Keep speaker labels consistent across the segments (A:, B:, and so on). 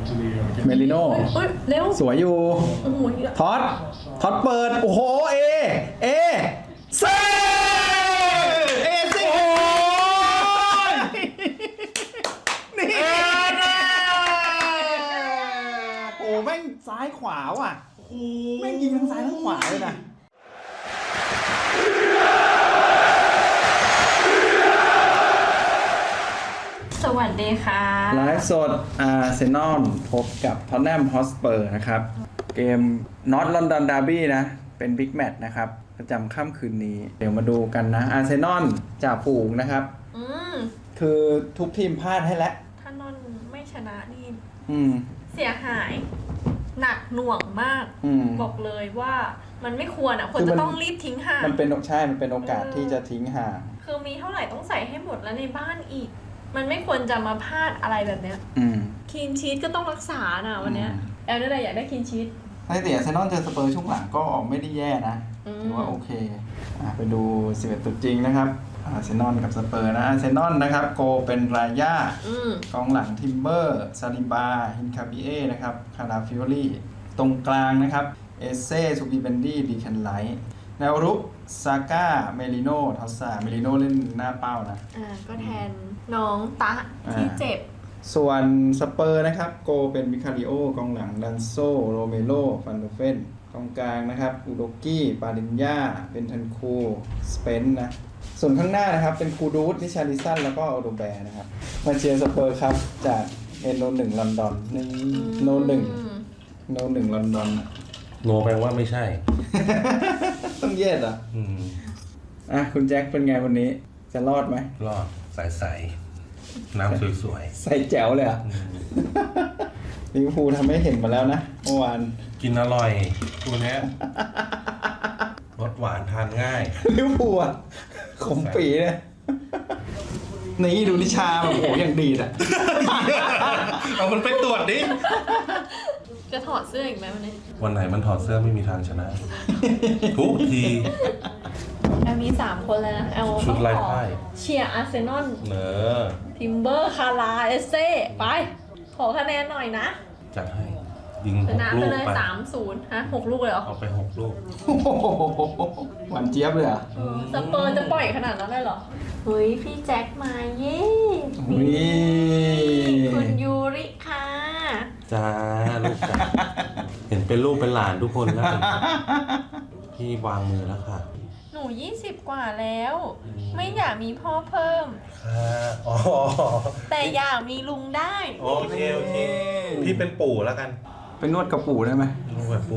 A: เมลิโน่
B: เร็ว
A: สวยอยู่
B: โอ้โห
A: ท็อตเปิด โอ้โห เอเซ่เอซี่โอ้ยนี่โอ้แม่งซ้ายขวาว่ะแม่งยิงทั้งซ้ายทั้งขวาเลยนะ
B: สวัสดีค่ะ
A: ไลฟ์สดอาร์เซนอลพบกับท็อตแนมฮอสเปอร์นะครับ เกมนอตลอนดอนดาร์บี้นะ เป็นบิ๊กแมตช์นะครับ ประจำค่ำคืนนี้ เดี๋ยวมาดูกันนะอาร์เซนอลจ่าฝูงนะครับ คือทุกทีมพลาดให้แล้ว
B: ถ้านอนไม่ชนะนี่
A: ม
B: เสียหาย หนักหน่วงมาก บอกเลยว่ามันไม่ควรอ่ะควรจะต้องรีบทิ้งห่าง
A: มันเป็นมันเป็นโอกาสที่จะทิ้งห่าง
B: คือมีเท่าไหร่ต้องใส่ให้หมดแล้วในบ้านอีก มันไม่ควรจะมาพลาดอะไรแบบเนี้ยคีนชีทก็ต้องรักษานะวันเนี้ยแอลได้อะไรอยากได้คีนชีท
A: สถิติอาร์เซนอลเจอสเปอร์ช่วงหลังก็ไม่ได้แย่นะถือว่าโอเคไปดู11ตัวจริงนะครับอาร์เซนอลกับสเปอร์นะอาร์เซนอลนะครับโกเป็นราย่ากองหลังทิมเบอร์ซาลิบาฮินคาบิเอนะครับคาราฟิโอลี่ตรงกลางนะครับเอเซ่ซูบิเบนดี้ดีแคนไลท์แนวรุกซาก้าเมลิโนทอสซาเมลิโนเล่นหน้าเป้านะ
B: ก็แทนน้องตะที่เจ็บ
A: ส่วนสเปอร์นะครับโกเป็นมิคาริโอกองหลังดันโซโรเมโลฟันโดเฟนกองกลางนะครับอุโดกี้ปาลินยาเป็นทันคูสเปนนะส่วนข้างหน้านะครับเป็นคูดูสนิชาลิสันแล้วก็โอโดแบร์นะครับมาเชียร์สเปอร์ครับจากเอ็นโนหนึ่งลอนดอนนี่โนหนึ่งลอนดอน
C: โนแปลว่าไม่ใช่
A: ต้องเย็ดเหรอคุณแจ็คเป็นไงวันนี้จะรอดไหม
C: รอดใสๆน้ำสวย
A: ๆใส่แจ๋วเลยอ่ะลิเวอร์พูลทำให้เห็นมาแล้วนะเมื่อวาน
C: กินอร่อยตัวนี้รสหวานทานง่าย
A: ลิเวอร์พูลขมปีเลยนี่ดูนิชาแบบโหอย่างดีอ่ะ
C: เอามันไปตรวจดิ
B: จะถอดเสื้ออีกไหมวันนี้
C: วันไหนมันถอดเสื้อไม่มีทางชนะทุกที
B: แอลมี3คนแล้วนะแอล
C: ชุดไล่ไพ่
B: เชียร์อาร์เซนอล
C: ทิ
B: มเบอร์คาราเอเซ่ไปขอคะแนนหน่อยนะ
C: จัดให้ยิง
B: 6 ลูกไปเลย3-0 6 ลูกเลยเหรอ
C: เอาไป6 ลูก
A: หวานเจี๊ยบเลยอ่ะ
B: สเปอร์จะปล่อยขนาดนั้นเลยเหรอเฮ้ยพี่แจ็คมาเย้คุณยูริค่ะ
C: จ้าลูกจ้าเห็นเป็นลูกเป็นหลานทุกคนแล้วพี่วางมือแล้วค่ะ
B: หนู20 กว่าแล้วไม่อยากมีพ่อเพิ่มแต่อยากมีลุงได้
C: โอเคพี่เป็นปู่แล้วกัน
A: ไปนวดกับปู่ได้ไหม
C: นวดปู่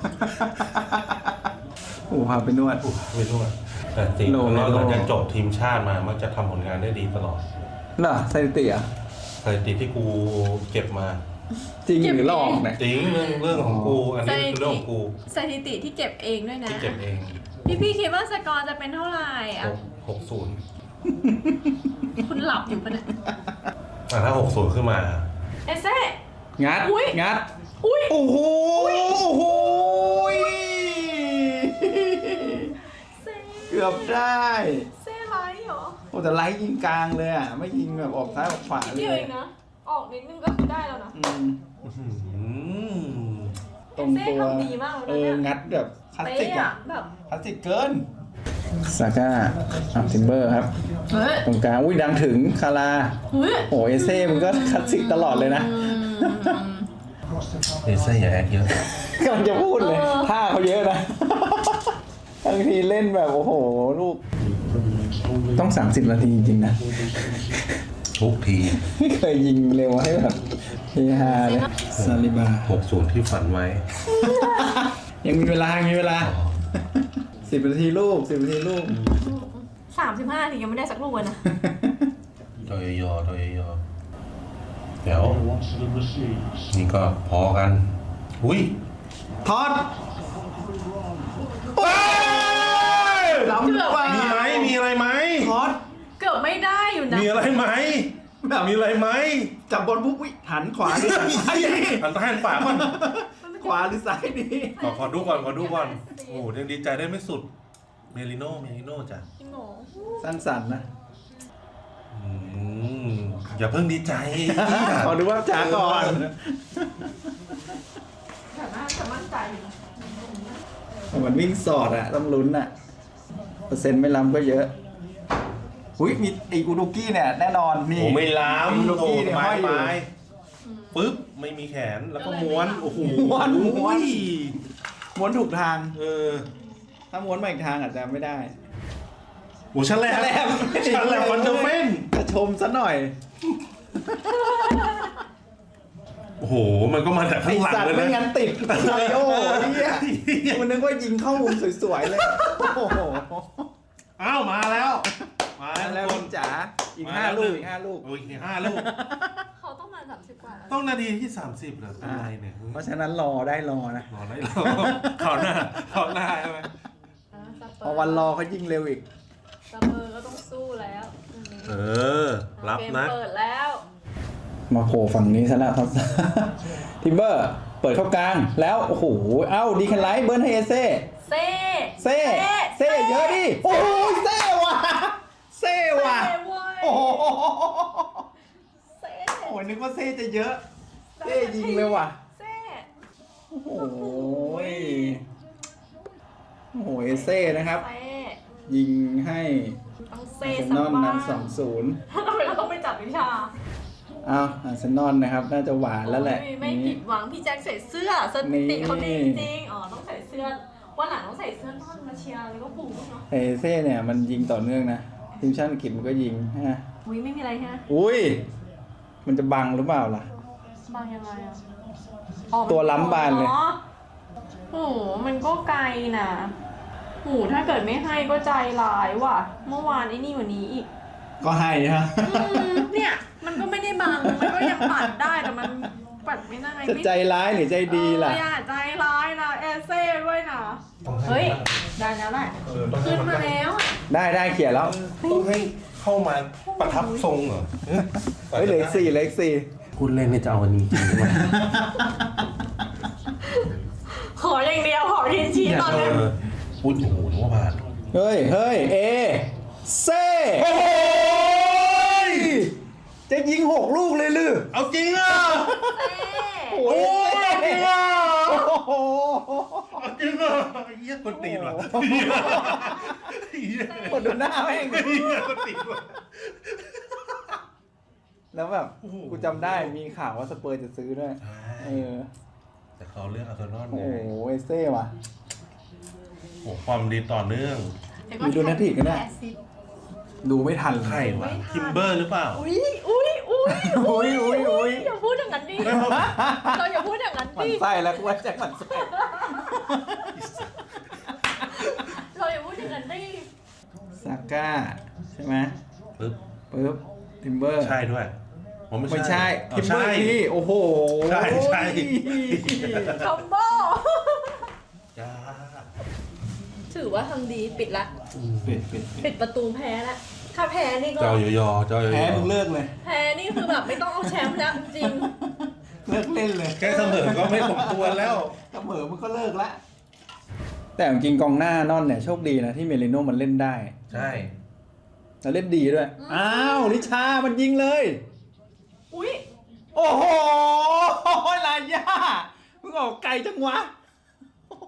A: ปู่พาไปนวด
C: ไปนวดแต่จริงแล้วเราจะจบทีมชาติมามักจะทำผลงานได้ดีตลอด
A: น่ะสถิติอ่ะ
C: สถิติที่กูเก็บมา
A: จริงหรือหลอกเนี่ย
C: จริงเรื่องของกูอันนี้คือเรื่องของกู
B: สถิติที่เก็บเองด้วยนะ
C: ที่เก็บเอง
B: พี่คิดว่าสกอร์จะเป็นเท่าไหร่อ่ะ
C: 60
B: คุณหลับอยู่ปะเนี่ย
C: ถ้า60ขึ้นมา
B: เอเซ่
A: งัดโอ้โหเกือบได้
B: เซ่ไลท์เหรอ
A: โอ้แต่ไลท์ยิงกลางเลยอ่ะไม่ยิงแบบออกซ้ายออกขวาเลย
B: เองนะออกนิดนึงก็คือได้แล้วนะ
A: ตรงตัว
B: ดีมากเลย
A: งัดแบบคลาสสิกอ่ะ
B: แบบ
A: คลาสสิกเกินซาก้าทิมเบอร์ครับตรงกลางดังถึงคาราโอ้เอเซ่มันก็คลาสสิกตลอดเลยนะ
C: เอเซ่อย่าแอคเยอะ
A: กำลังจะพูดเลยท่าเขาเยอะนะบางทีเล่นแบบโอ้โหลูกต้อง30 นาทีจริงๆนะ
C: ทุกที
A: ไม่เคยยิงเร็วให้แบบเฮฮาเลยซาลิบา
C: 60ที่ฝันไว้
A: ยังมีเวลา10 นาทีลูก35
B: นาทียังไม่ได้สักลูกเลยนะ
C: โดยยอเดี๋ยวนี่ก็พอกันอุ้ย
A: ทอดล้ำกว่า
C: มีอะไรไหม
A: ทอด
B: เกือบไม่ได้อยู่นะ
C: มีอะไรไหม
A: จับบอลปุ๊บหันขวาดิ
C: หันซ้ายหันขวาก่อน
A: ขวาหรือซ้ายดี
C: ขอดูก่อนโอ้ยังดีใจได้ไม่สุดเมลิโน่จ้ะ
A: สร้างสรรค์นะ
C: อย่าเพิ่งดีใจ
A: ขอดูว่าจ๋าก่อนมันวิ่งสอดอะต้องลุ้นอะเปอร์เซ็นต์ไม่ล้ำก็เยอะอุ้ยมีไออุดุกี้เนี่ยแน่นอนนี่
C: โอ้ไม่ล้ำ
A: อุดุกี้เนี่ย
C: ไม้
A: ห้อยอยู่
C: ไม้ปึ๊บไม่มีแขนแล้วก็ม้วนโอ้โห
A: ม้วน
C: อุ้ย
A: ม้วนถูกทาง
C: อ
A: ถ้าม้วนมาอีกทางอาจจะไม่ได้
C: โอ้ชั้นแรก
A: ชั้นแรก
C: ชั้นแรกคอนเดอร์เฟน
A: จะชมซะหน่อย
C: โอ้โหมันก็มาจาก
A: ไอ
C: ข้างหลัง
A: สัตว์
C: เลย
A: ไม่
C: นะ
A: งั้นติดไอโอ้เนี่ยมันนึกว่ายิงเข้ามุมสวยๆเลยโอ้โห
C: อ้าวมาแล้วมา
A: แล้
C: แล้ว ว
A: คุณจ๋าอีก5 ลูกอีก5 ลูก
C: โอ้ยอีก5 ลูก
B: เขาต้องมา30กว่าแล้ว
C: ต้องนาทีที่ 30เหรอเป็นไรเนี่ย
A: เพราะฉะนั้นรอได้รอนะ
C: รอได้รอขอหน้าขอหน้าใช่ไหม
A: พอวันรอเขายิ่งเร็วอีก
B: สเปอร์ก็ต้องสู้แล้ว
C: เออรับนะ
B: เกมเปิดแล้ว
A: มาโผล่ฝั่งนี้ซะแล้วครับ ทิมเบอร์เปิดเข้ากลางแล้วโอ้โหเอ้าดีคันไลท์เบิร์นให้เอเซ่
B: เซ่
A: เซ่เยอะดิโอ้โหเซ่ว่ะเซ่ว่ะ
B: เซ่เว้ย
A: โอ้โห
B: เซ่
A: โอ้ยนึกว่าเซ่จะเยอะเซ่ยิงเลยว่ะ
B: เซ่
A: โอ้โหโอ้โหเอเซ่นะครับ
B: เซ่
A: ยิงให้
B: ต้องเซ่
A: อาร์เซ
B: สั
A: น
B: ก
A: อล
B: บ้าง
A: นำ 2-0
B: ทำไมเราต้องไปจับวิชา
A: อ้าวอาร์เซนอลนะครับน่าจะหวานแล้วแหละ
B: ไม่ผิดหวังพี่แจ็คใส่เสื้อสถิติเขาดีจริงๆอ๋อต้องใส่เสื้อวันหลังต้องใส่เสื้อนอนมาเชียร์แล้วก็ปูเนาะ
A: เอเซ่เนี่ยมันยิงต่อเนื่องนะทีมชาติอังกฤษมันก็ยิงฮะ
B: อุ้ยไม่มีอะไรฮะ
A: อุ้ยมันจะบังหรือเปล่าล่ะ
B: บางยังไงอ่ะอ๋อ
A: ตัวล้ำบานเลย
B: อ๋อโหมันก็ไกลนะโหถ้าเกิดไม่ให้ก็ใจร้ายว่ะ เมื่อวานไอ้นี่วันนี้อีก
A: ก็ให้ฮะ
B: เนี่ยมันก็ไม่ได้บังมันก็ยังปัดได้แต่มันปัดไม่ได้
A: จะใจร้ายหรือใจดีล่ะ
B: อย่าใจร้ายนะเอเซ่ด้วยนะเฮ้ยได้แล้วแหละขึ้นมาแล้วอะ
A: ได้เขียนแล้ว
C: ต้องให้เข้ามาประทับทรงเหรอ
A: เฮ้ยเหลืออก4
C: พูดเล่นเนี่ยจะเอาอันนี้จริงใช่ไหม
B: ขออย่างเดียวขอทีนชีตอนนี้
C: พูดโอ้โหนึกว่าผ่าน
A: เฮ้ยเอเซ่โอ้โหจะยิง6 ลูกเลยหรือ
C: เอาจริงอ่ะ
A: โอ้ยจริงอ่ะโอ้โห
C: เอาจริงอ่ะเยี่ยคนตีนว่ะ
A: กดดูหน้าแม่ง
C: เยี่ยคนตีนว่ะ
A: แล้วแบบ
C: โอ้โห
A: กูจำได้มีข่าวว่าสเปอร์จะซื้อด้วย
C: ใช่
A: เออ
C: แต่เขาเลือกอาร์เซนอล
A: โอ้
C: ไง
A: โหเอเซ่ว่ะ
C: โอ้ความดีต่อเนื่อง
A: มีดูนาทีกันเนี่ย ดูไม่ทัน
C: ใครวะทิมเบอร์หรือเปล่า
B: อุ้ยอย่าพูดอย่างนั้นดิเราอย่าพูดอย่างนั้น
A: หมัน
B: ดิ
A: ไส้แล้วกูว่าแจ็คหมันไส้
B: เราอย่าพูดอย่างนั้นดิ
A: ซาก้าใช่ไหม
C: ปึ๊บ
A: ปึ๊บทิมเบอร์
C: ใช่ด้วยผม
A: ไม่ใช่
C: อ๋อ
A: ทิมเบอ
C: ใช่
A: ร์ที่โอ้โห
C: ใช่
B: คอมโบ
C: จ้า
B: ถือว่าทำดีปิดละ ปิดประตูแพ้ละถ้าแพ้นี่ก็
C: เจ้ายอเจ้ายอ
A: แพ้มึงเลิกเลย
B: แพ้นี่คือแบบไม่ต้องเอาแชมป์แล้วจริง
A: เลิกเล่นเลย
C: แค่เสมอก็ไม่สมควรแล้ว
A: เสมอมึงก็เลิกละแต่จริงๆกองหน้านอนเนี่ยโชคดีนะที่เมลิโน่มันเล่นได้
C: ใช่
A: แล้วเล่นดีด้วยอ้าวลิชามันยิงเลย
B: อุ้ย
A: โอ้โหลายย่ามึงออกไกลจังวะโอ้โห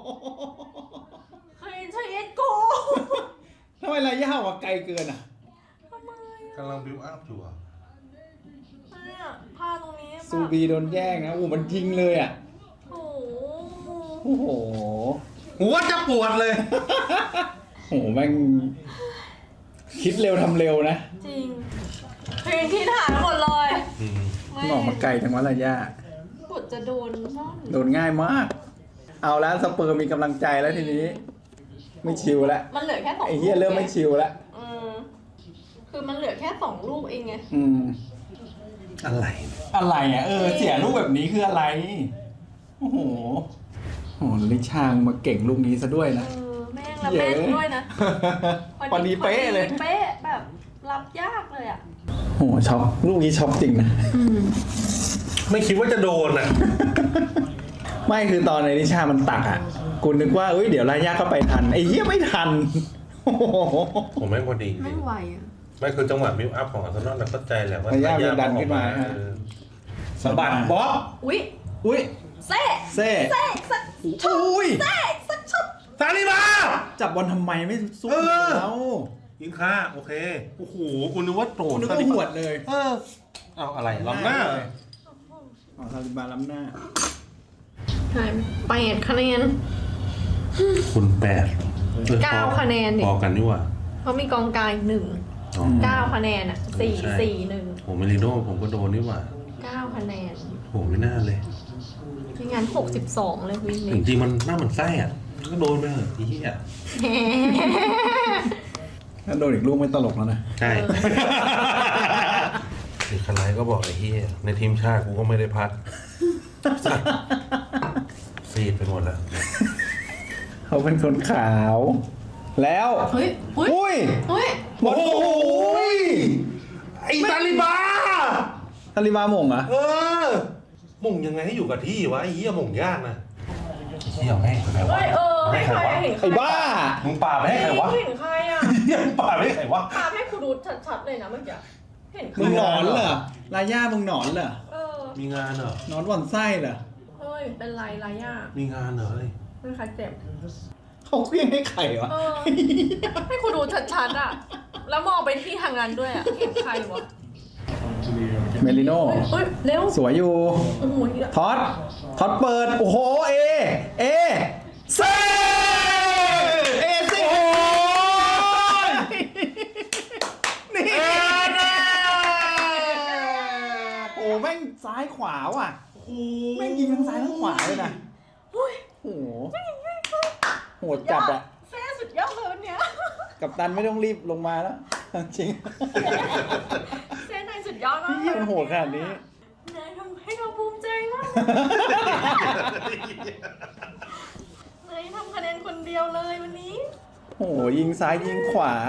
B: ใครใช่เอ็ดโก
A: ทำไมลายย่าออกไกลเกินอ่ะ
B: ทำไม
C: กำลังบิวอัพอยู่อ่ะ
B: เนี่ยผ้าตรงนี้
A: ซูบีโดนแย่งนะโอ้มันยิงเลยอ่ะ
B: โอ้โห
A: โอ้โห
C: หัวจะปวดเลย
A: โอ้โหแม่งคิดเร็วทำเร็วนะ
B: จริงเพลงที่ถ่ายหมดเลย
A: มึงออกมาไกลจังวะลายย่า
B: กดจะโดนซ่อน
A: โดนง่ายมาก เอาแล้วสเปอร์มีกำลังใจแล้วทีนี้ ไม่ชิวแล้ว
B: มันเหลือแค่2
A: ไอ้เหี้ยเริ่มไม่ชิวแล้ว
B: คือมันเหลือแค่2 ลูกเองไง
C: อะไร
A: อะไรอ่ะเสียลูกแบบนี้คืออะไร โอ้โหโอ้โหลิชางมาเก่งลูกนี้ซะด้วยนะ
B: แม่งแล้วแม่นด้วยนะ
A: พอดีเป๊ะเลย
B: เป๊ะแบบรับยากเลยอ่ะ
A: โอ้โหช็อกลูกนี้ช็อกจริงนะ
C: ไม่คิดว่าจะโดนอ่ะ
A: ไม่คือตอนในลิชามันตักอ่ะกูนึกว่าเดี๋ยวลายาเข้าไปทันไอ้เหี้ยไม่ทันโอ้โห
C: ผมแม่งพอดีจริ
B: ไม่
C: ง
B: ไหวอ่ะ
C: ไม่คือจังหวะบิวอัพของอาร์เซนอลเราเข้าใจแหละว่า
A: ระยะมันดันขึ้นมา
C: สะบัดบ๊อบ
B: อุ้ย
A: อุ้ย
B: เซ่
A: เซ่
B: เซ่สักช็อต
A: อุ้ย
B: เซ่สักช็อต
C: ซาลิบา
A: จับบอลทำไมไม่สู้แล้ว
C: ยิงค่าโอเคโอ้โหกูนึกว่าโต
A: นึกว่าหวดเลย
C: เอาอะไรล้ำหน้า
A: อ๋อซาลิบาล้ำหน้า
B: หาย8 คะแนน
C: คุณ
B: 9 คะแนนดิ
C: พอกันนี่หว่า
B: เขามีกองกลาง1 9 คะแนนอ่ะ4 4 1
C: โหเมลิโน่ผมก็โดนนี่หว่า
B: 9 คะแนน
C: โหไม่น่าเลย
B: ไม่งั้น62เลยวิ่ง
C: จ
B: นี้
C: ริงๆมันหน้ามันไส้อ่ะก็โดนไปเถอะไอ้เหี้ย
A: ถ้าโดนอีกลูกไม่ตลกแล้วนะ
C: ใช่สิคลายก็บอกไอ้เหี้ยในทีมชาติกูก็ไม่ได้พัดซีดไปหมดแล้ว
A: เขาเป็นคนขาว แล้ว
B: เฮ้ย
A: อุ้ย
B: เฮ้ย
A: หมดโอ้ย
C: ไอ้ซาลิบา
A: ซาลิบาหม่งเหรอ
C: หม่งยังไงให้อยู่กับที่วะไอ้เหี้ยหม่งยากนะเหี้ยให้ใครวะ
B: เฮ้ยให้ใครเห็นใคร
A: ไอ้บ้า
C: มึงป่าไปให้ใครวะ
B: เห็นใครอ่ะ
C: เหี้ยมึงป่าไปให้ใครวะ
B: ปาให้คุณดูชัดๆเลยนะเมื่อกี้เห็นใคร
A: มึงหนอนเหรอลาย่ามึงหนอนเหรอ
C: มีงานเหรอ
A: หนอนหว่อนไส้เหรอ
B: เฮ้ยเป็นไรอ่ะ
C: มีงานเหรอเฮ้ย
B: เป็นใครเจ็บ
A: เขาเคลี้ยงให้ไข่วะ
B: ให้คุณดูชัดๆอ่ะแล้วมองไปที่ทางนั้นด้วยอ่ะเห็นใครวะ
A: เมลิโน่
B: เฮ้ยเร็ว
A: สวยอยู่
B: โอ้โห
A: ท็อตเปิด โอ้โห เอเซ่เอสิโอ้ยนี่โอ้แม่งซ้ายขวาว่ะแม่งยิงทั้งซ้ายทั้งขวาเลยนะโอ้โหโหดจัดอะ
B: แซ่สุดยอดเลยวันเนี้ย
A: กัปตันไม่ต้องรีบลงมาแล้วจริง
B: แซ่นายสุดยอดมาก
A: พี่มันโหดขนาดนี้
B: นายทำให้เราภูมิใจมากนายทำคะแนนคนเดียวเลยวันนี้
A: โอ้โหยิงซ้ายยิงขวา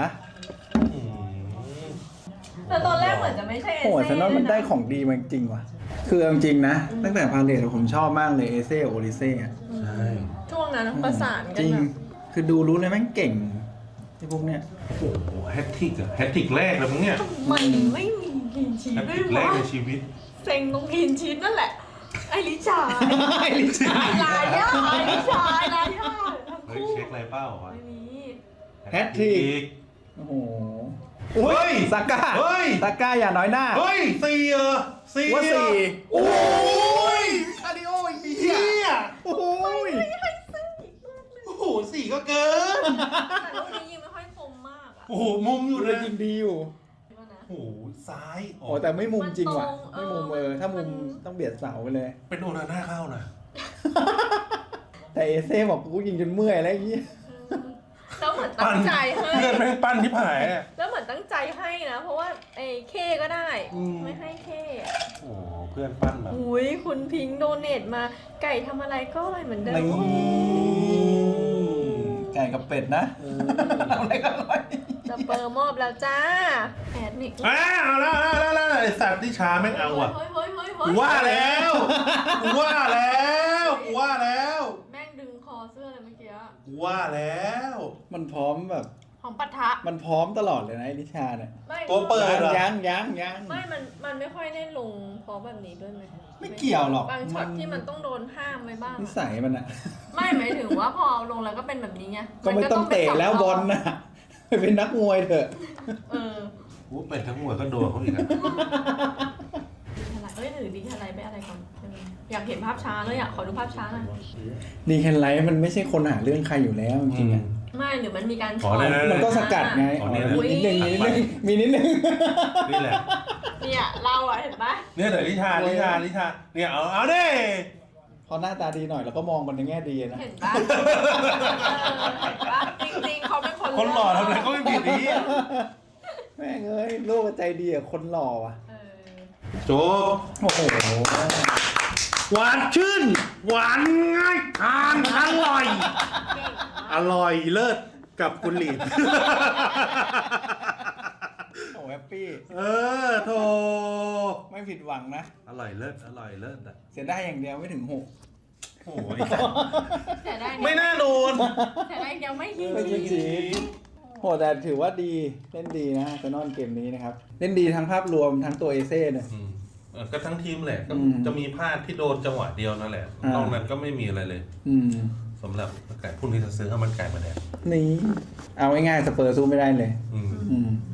B: แต่ตอนแรกเหมือนจะไม่ใช่เอ
A: โอ้โห
B: เซ่
A: ฉันว่ามันได้ของดีมาจริงว่ะคือเอาจริงนะ ตั้งแต่พาเลทผมชอบมากเลยเอเซ่โอริเซ่อะ
C: ใช่
B: ช่วงนั้นประสานกั
A: จ
B: น
A: ริง
B: แบบ
A: คือดูรู้เลยแม่งเก่งไอ้พวกเนี้ย
C: โอ้โหแฮตทริกอะแฮตทริกแรกเลยมึงเนี่ย
B: มันไม่มีกินชีส
C: แฮต
B: ด้
C: ท
B: ว
C: ริ
B: ย
C: กแร
B: วะ
C: กในชีวิต
B: เซ็งตรงกินชีสนั่นแหละ ไอริชา
A: ไอ้ลิชา
B: ลายาไอริชาลายาทั้ง
C: เฮ้ย
B: คู่
C: เช็คอะไรเป้าวะ
B: ไม่มี
A: แฮตทริก โอ้โห
C: เฮ้ย
A: ซาก้า
C: เฮ้ย
A: ซาก้าอย่าน้อยหน้า
C: เฮ้ยสี่เหรอสี่
A: ว่า
C: เหรอ
A: สี่
C: โอ้ย
A: คาร์ดิโออีกที
C: เหี้ย
A: โอ้ย
C: โอ้โหสี่ก็เกิน
B: แต่ลูกนี้ยิงไม่ค่อยคมมากอะ
C: โอ้โหมุมอยู่
A: เล
C: เลย ย
A: ยิงดีอยู่
C: โอ้โหซ้าย
A: โอ้แต่ไม่มุมจริงว่ะ
B: มันตรง
A: ไม่มุมถ้ามุมต้องเบียดเสาไปเลย
C: เป็นโอนาน่าเข้านะ
A: แต่เอเซ่บอกกูยิงจนเมื่อยแล้วไอ้เงี้ย
B: แล้วเหมือนตั้งใจให้
C: เพื่อนแม่งปั้นที่ผายอะ
B: แล้วเหมือนตั้งใจให้นะ เพราะว่าไอ้เคก็ได้ ไม่ให้เค
C: โอ้โหเพื่อนปั้นแบบ
B: อุ้ยคุณพิงค์โดเนทมา ไก่ทำอะไรก็อร่อยเหมือนเดิม
A: ไก่กับเป็ดนะอะไรก็อร่อย
B: จะเปิดมอบแล้วจ้าแอดนี่
C: เอาแล้วไอสัตว์ที่ช้าแม่งเอาอ่ะ
B: เฮ้ย
C: กูว่าแล้วกูว่าแล้วกูว่าแล้ว
B: แม่งดึงคอเสื้อเลยเมื่อกี้
C: กูว่าแล้ว
A: มันพร้อมแบบ
B: ของปัทะ
A: มันพร้อมตลอดเลยนะไอ้นิชาเนี่ย
B: ไม่
C: ตัวเปิดเหรอ
A: ยัง
B: ไม่มันไม่ค่อยได้ลงพร้อมแบบนี้ด้วยไหม
A: ไม่เกี่ยวหรอก
B: บางช็อตที่มันต้องโดนห้ามไว้บ้าง
A: นิสัยมันอะ
B: ไม่หมายถึงว่าพอลงแล้วก็เป็นแบบนี้ไง
A: ก็ไม่ต้องเตะแล้วบอลนะไปเป็นนักมวยเถอะ
B: เออ
C: กูเป็นทั้งหมดก็โดนเขาอีกอะ
B: เอ้ยหรือดีอะไรไปอะไรก่อนอยากเห็นภาพช้าเลยอ่ะขอดูภาพช้าหน่อย
A: ดีแคนไลท์มันไม่ใช่คนหาเรื่องใครอยู่แล้วจริงๆอะ
B: ไม่หรือมันมีการ
C: ขอเลยนะ
A: มันก็สกัดไงมีนิดนึง
C: นี่แหละ
B: เนี่ยเราอ่ะเห็นปะ
C: เนี่ยเดี๋ยวลิชาเนี่ยเอาดิ
A: พอหน้าตาดีหน่อยแล้วก็มองมันในแง่ดีนะ
B: เห็นปะเห็นปะจริงๆเขาเป็นคน
C: คนหล่อทำอะไรก็ไม่ผิดนี้
A: แม่งเอ้ยโลกใจดีอะคนหล่อว่ะ
C: โจ
A: โอ้โห
C: หวานชื่น หวานง่ายทานอร่อย อร่อยเลิศกับคุณหลีด
A: โอ้แฮปปี้
C: โธ
A: ไม่ผิดหวังนะ
C: อร่อยเลิศอ่ะ
A: เสียได้อย่างเดียวไม่ถึง6
C: โอ้ย
B: แต่ได้
C: ไม่น่าโดน
B: แต่ได้ยังไม่ยิง
A: ไม่ยิงจีโหแต่ถือว่าดีเล่นดีนะแต่นอนเกมนี้นะครับเล่นดีทั้งภาพรวมทั้งตัวเอเซ่เนี่ย
C: ก็ทั้งทีมแหละก็
A: อืม
C: จะมีพลาดที่โดนจังหวะเดียวนั่นแหละ
A: อ่าน
C: นอกนั้นก็ไม่มีอะไรเลย
D: สำหรับไก่พรุ่งนี้จะซื้อข้าวมันไก่มาแดก
A: นี่เอาง่ายๆสเปอร์สู้ไม่ได้เลย
D: อืม